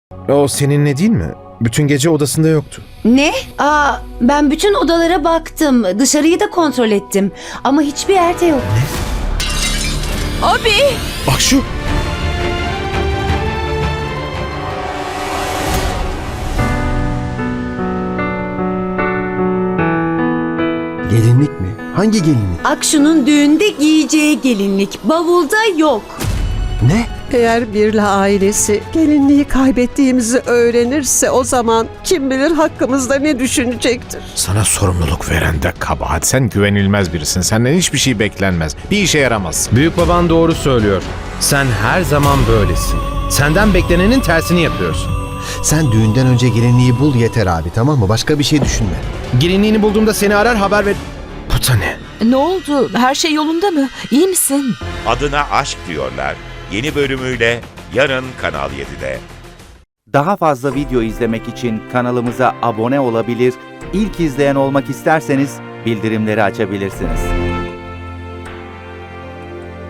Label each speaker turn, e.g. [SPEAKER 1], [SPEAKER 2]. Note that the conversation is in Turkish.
[SPEAKER 1] O seninle değil mi? Bütün gece odasında yoktu.
[SPEAKER 2] Ne? Ben bütün odalara baktım. Dışarıyı da kontrol ettim. Ama hiçbir yerde yok.
[SPEAKER 3] Abi!
[SPEAKER 1] Akşu!
[SPEAKER 4] Gelinlik mi? Hangi gelinlik?
[SPEAKER 2] Akşu'nun düğünde giyeceği gelinlik. Bavulda yok.
[SPEAKER 4] Ne?
[SPEAKER 5] Eğer Birla ailesi gelinliği kaybettiğimizi öğrenirse o zaman kim bilir hakkımızda ne düşünecektir.
[SPEAKER 1] Sana sorumluluk veren de kabahat. Sen güvenilmez birisin. Senden hiçbir şey beklenmez. Bir işe yaramazsın.
[SPEAKER 6] Büyük baban doğru söylüyor. Sen her zaman böylesin. Senden beklenenin tersini yapıyorsun.
[SPEAKER 4] Sen düğünden önce gelinliği bul yeter abi, tamam mı? Başka bir şey düşünme.
[SPEAKER 6] Gelinliğini bulduğumda seni arar haber ver... Bu da ne?
[SPEAKER 3] Ne oldu? Her şey yolunda mı? İyi misin?
[SPEAKER 7] Adına Aşk diyorlar. Yeni bölümüyle yarın Kanal 7'de.
[SPEAKER 8] Daha fazla video izlemek için kanalımıza abone olabilir, ilk izleyen olmak isterseniz bildirimleri açabilirsiniz.